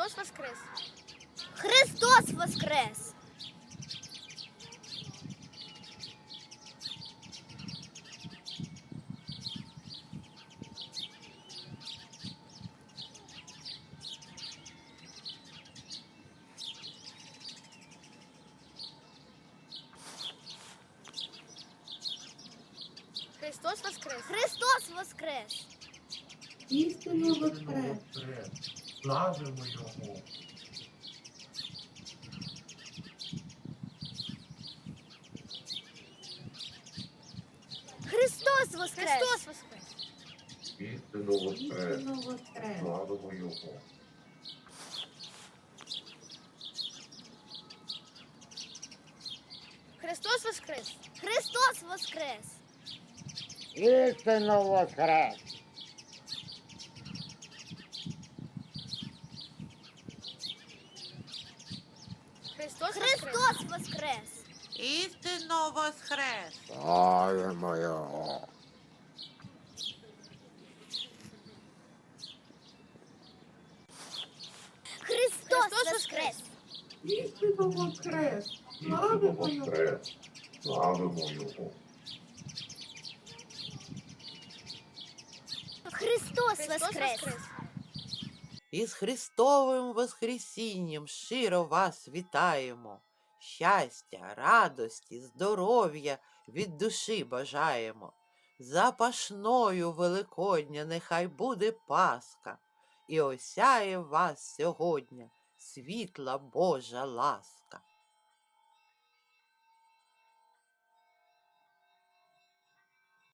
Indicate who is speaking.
Speaker 1: Христос воскрес!
Speaker 2: Христос воскрес!
Speaker 1: Христос воскрес!
Speaker 2: Христос воскрес!
Speaker 3: Істинно воскрес!
Speaker 4: Славимо Його!
Speaker 2: Христос воскрес!
Speaker 1: Христос воскрес!
Speaker 4: Істинно воскрес!
Speaker 3: Істинно воскрес!
Speaker 4: Славимо Його!
Speaker 1: Христос воскрес!
Speaker 2: Христос воскрес!
Speaker 5: Істинно воскрес!
Speaker 1: Христос воскрес!
Speaker 2: Христос воскрес!
Speaker 6: Істинно воскрес!
Speaker 5: Славимо Його!
Speaker 2: Христос
Speaker 1: Христос
Speaker 2: воскрес!
Speaker 3: Істинно воскрес!
Speaker 4: Істинно
Speaker 3: Славимо Його!
Speaker 4: воскрес! Славимо Його!
Speaker 2: Христос
Speaker 1: Христос
Speaker 2: воскрес!
Speaker 1: воскрес!
Speaker 6: Із Христовим Воскресінням щиро вас вітаємо. Щастя, радості, здоров'я від душі бажаємо. Запашною Великодня нехай буде Пасха, і осяє вас сьогодні світла Божа ласка.